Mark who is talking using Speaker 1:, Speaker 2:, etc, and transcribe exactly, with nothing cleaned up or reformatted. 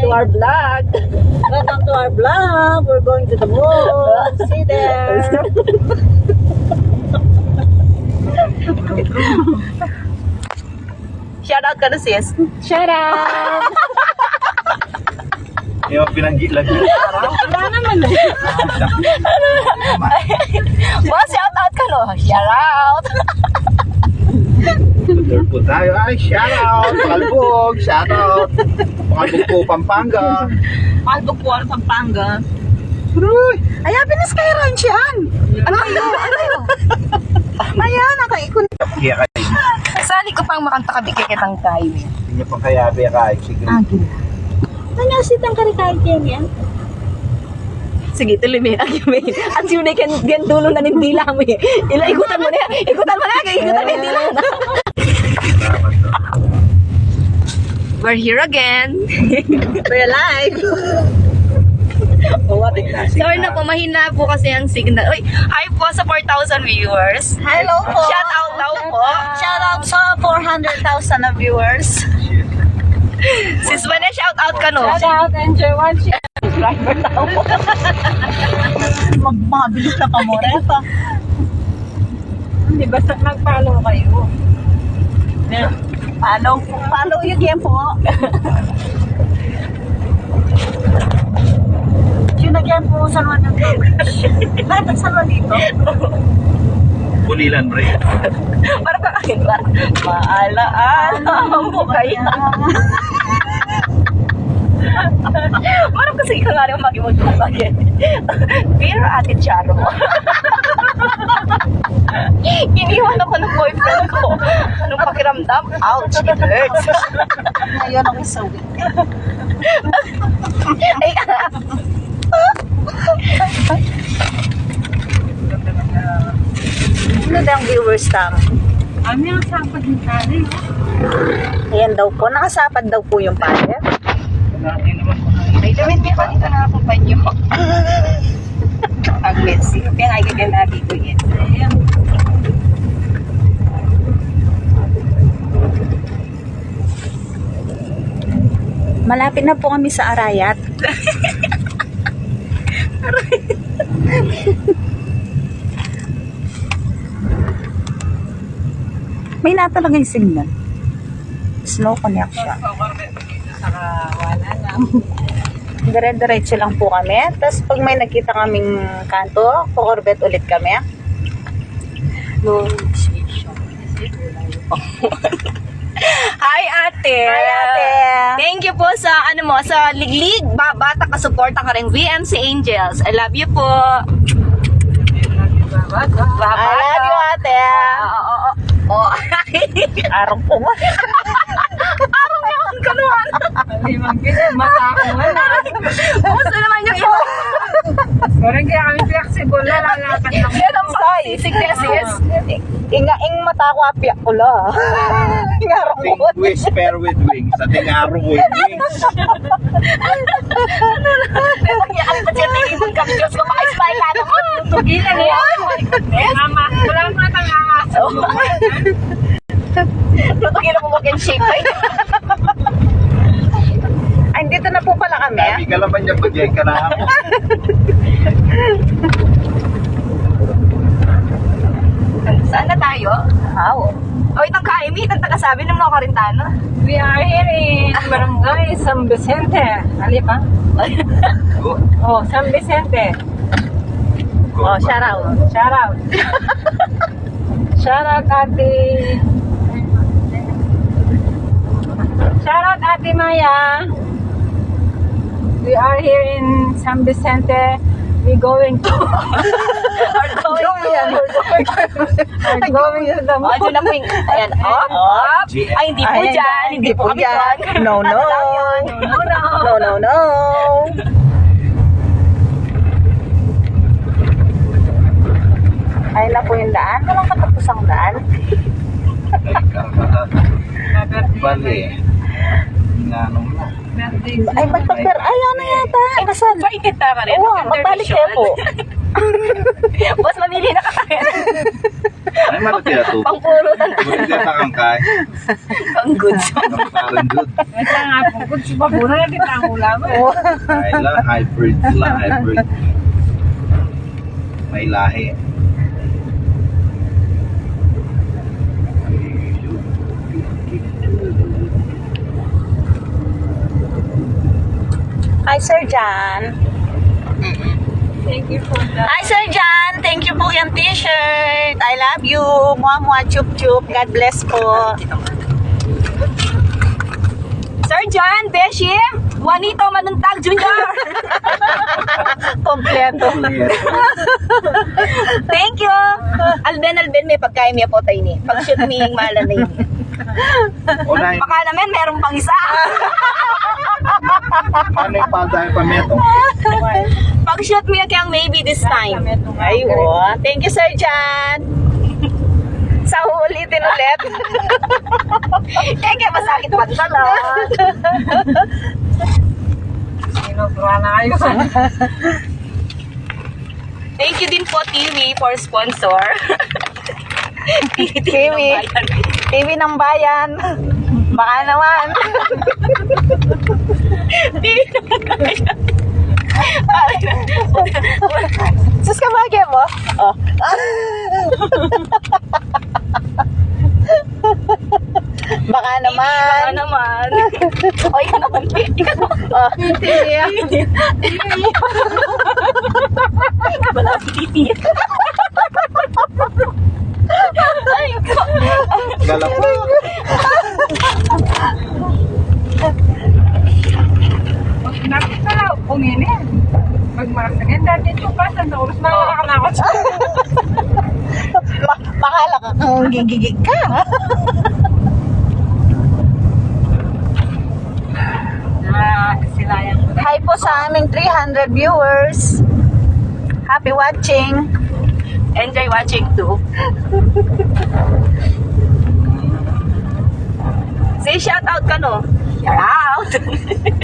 Speaker 1: to our vlog.
Speaker 2: Welcome to our vlog. We're going to the mall. See there.
Speaker 1: Shout out ka na sis.
Speaker 2: Shout out.
Speaker 3: Yung pinanggi lang.
Speaker 2: Wala naman eh.
Speaker 1: Boss, shout out ka no. Shout out.
Speaker 3: Third po tayo. Ay, shout out. Palbog, shout out. Palbog po, Pampanga.
Speaker 1: Palbog po ang Pampanga.
Speaker 3: Uy!
Speaker 2: Ay, happy na Sky Ranch yan. Ano yun? Ano yun? Ayan, nakaikon.
Speaker 3: Kaya kayo.
Speaker 1: Sali ko pang makanta kabigay-kitang tayo.
Speaker 3: Hindi niyo pang kaya biya kayo. Sige.
Speaker 2: Ano sitang karikain yan?
Speaker 1: Sige, tuloy mo yung argument. At yun ay gan dulo na ng dila mo eh. Ila, ikutan mo na yan. Ikutan mo na yan. Ikutan mo yung dila na. We're here again.
Speaker 2: We're alive.
Speaker 1: Oh, what? Sorry na po, mahina po kasi ang signal. Uy, hi po sa four thousand viewers.
Speaker 2: Hello po.
Speaker 1: Shout out daw po.
Speaker 2: Shout out sa four hundred thousand na viewers.
Speaker 1: Sis Vanessa, shout out ka no?
Speaker 2: Shout out, enjoy watching. Driver daw po. Magmabilis na pa mo, Repa. Hindi, basta mag-follow kayo. Follow, follow yung game po. Yung nag-game po, San Juan ng Lahat ng San Juan dito.
Speaker 3: Bulilan, Ray.
Speaker 1: Para pa akin ba? Maalaala mo kaya. Parang kasi ikaw nga rin mag-imod mo bagay. Pero ate Charo. Iniwan ako ng boyfriend ko. Anong pakiramdam? Ouch, it hurts.
Speaker 2: Ngayon ako sa week.
Speaker 1: Ay,
Speaker 2: Ano daw ang viewers tam?
Speaker 4: Ami ang sapad ni Kari.
Speaker 2: Ayan daw po, nakasapad daw po yung pader.
Speaker 1: ay damit niya pa dito na ako pa niyo. Aglet, sige. Kaya nga gaganda dito yan.
Speaker 4: Ayan.
Speaker 2: Malapit na po kami sa Arayat. May natalagay signal. Slow connect siya.
Speaker 4: Saka wala na.
Speaker 2: Dire-diretso lang po kami. Tapos pag may nakita kaming kanto, kukorbet ulit kami.
Speaker 1: No, Hi ate!
Speaker 2: Hi, ate!
Speaker 1: Thank you po sa ano mo, sa liglig, ba bata ka suporta ka rin V M C Angels. I love you po.
Speaker 4: Bata.
Speaker 2: I love you, ate!
Speaker 1: Oo, oo, oo.
Speaker 2: Araw po mo.
Speaker 1: Araw niya ang kanuhan.
Speaker 4: Hindi magkita. Mata ako wala.
Speaker 1: Kumusta naman yung iba?
Speaker 4: Parang kaya kami flexible na lalakad lang.
Speaker 1: Yan ang sickness is.
Speaker 2: Inga-ing mata ko apya ko la. Ingarang
Speaker 3: Ating
Speaker 2: mo.
Speaker 3: whisper with wings. Ating arrow with wings.
Speaker 1: Ang pasyente kami Diyos ko maka-style na ako.
Speaker 4: Tugilan niya. Mama, wala mo na tang aso.
Speaker 1: Tutugin ako mag-shape.
Speaker 2: Ay, dito na po pala kami.
Speaker 3: Sabi ka naman niya pag-yay ka na ako.
Speaker 1: Saan na tayo?
Speaker 2: How?
Speaker 1: O itang kaimi, itang tagasabi ng mga Karintano.
Speaker 4: We are here in Barangay San Vicente. Ali pa?
Speaker 3: Go.
Speaker 4: Oh, San Vicente.
Speaker 3: Go.
Speaker 2: Oh, shout out.
Speaker 4: Shout out. Shout out Ate. Shout out Ate Maya. We are here in San Vicente. We're going to
Speaker 1: Are going to.
Speaker 4: We're going to the
Speaker 1: O, dyan na po yung, ayan, op, op. Ay, hindi po
Speaker 2: Ayan,
Speaker 1: dyan, hindi po kami dyan.
Speaker 2: No, no.
Speaker 1: Ano lang yun?
Speaker 4: No, no.
Speaker 2: No, no, no. Ay na po yung daan. Walang katapusang daan.
Speaker 3: Bali. Inanong na.
Speaker 2: Ay, magpagper. Ay, ano yata. Kasal.
Speaker 1: Painit na ka rin.
Speaker 2: Oo, magbalik kayo po.
Speaker 1: Boss, mamili na ka.
Speaker 3: Ay, malaki na to.
Speaker 1: Pangpurutan.
Speaker 3: Buti na takangkay.
Speaker 1: Ang good.
Speaker 3: Ang parang good.
Speaker 4: Ito nga po, kung si Babuna na kita ang ulam.
Speaker 3: Ay lang, hybrid sila, hybrid. May lahi.
Speaker 2: Hi, Sir John.
Speaker 4: Thank you for that.
Speaker 2: Hi, Sir John. Thank you po yung t-shirt. I love you. Mua mua chup chup. God bless po.
Speaker 1: Sir John, Beshi, Juanito Manuntag Junior
Speaker 2: Kompleto.
Speaker 1: Thank you. Alben, Alben, may pagkain niya po tayo ni. Pag-shoot me yung mahala na yun.
Speaker 3: Unay,
Speaker 1: Baka naman, meron pang isa.
Speaker 3: ano yung pagdahil pa meto?
Speaker 1: Pag-shoot me kayang maybe this time.
Speaker 2: Ay, oh. Thank you, Sir John.
Speaker 1: Sa ulitin ulit. Eh, kaya masakit pa tala.
Speaker 4: Sinubra na kayo.
Speaker 1: Thank you din po, T V, for sponsor.
Speaker 2: T V. T V ng bayan. Baka naman. Sus ka bagay mo? Oh. Baka naman.
Speaker 1: Baka naman. O, ikaw naman. Ikaw naman.
Speaker 2: Oh.
Speaker 1: Wala si Titi. Ay, ikaw.
Speaker 3: Galap.
Speaker 4: Nakita lang, kuminin. Magmarasagin. Dati ito pa, sa oras na nakakanakot.
Speaker 2: Ma- Makala ka kung gigigig ka.
Speaker 4: Ah, sila yan.
Speaker 2: Hi po sa aming three hundred viewers. Happy watching.
Speaker 1: Enjoy watching too. Say shout out ka no? Shout out!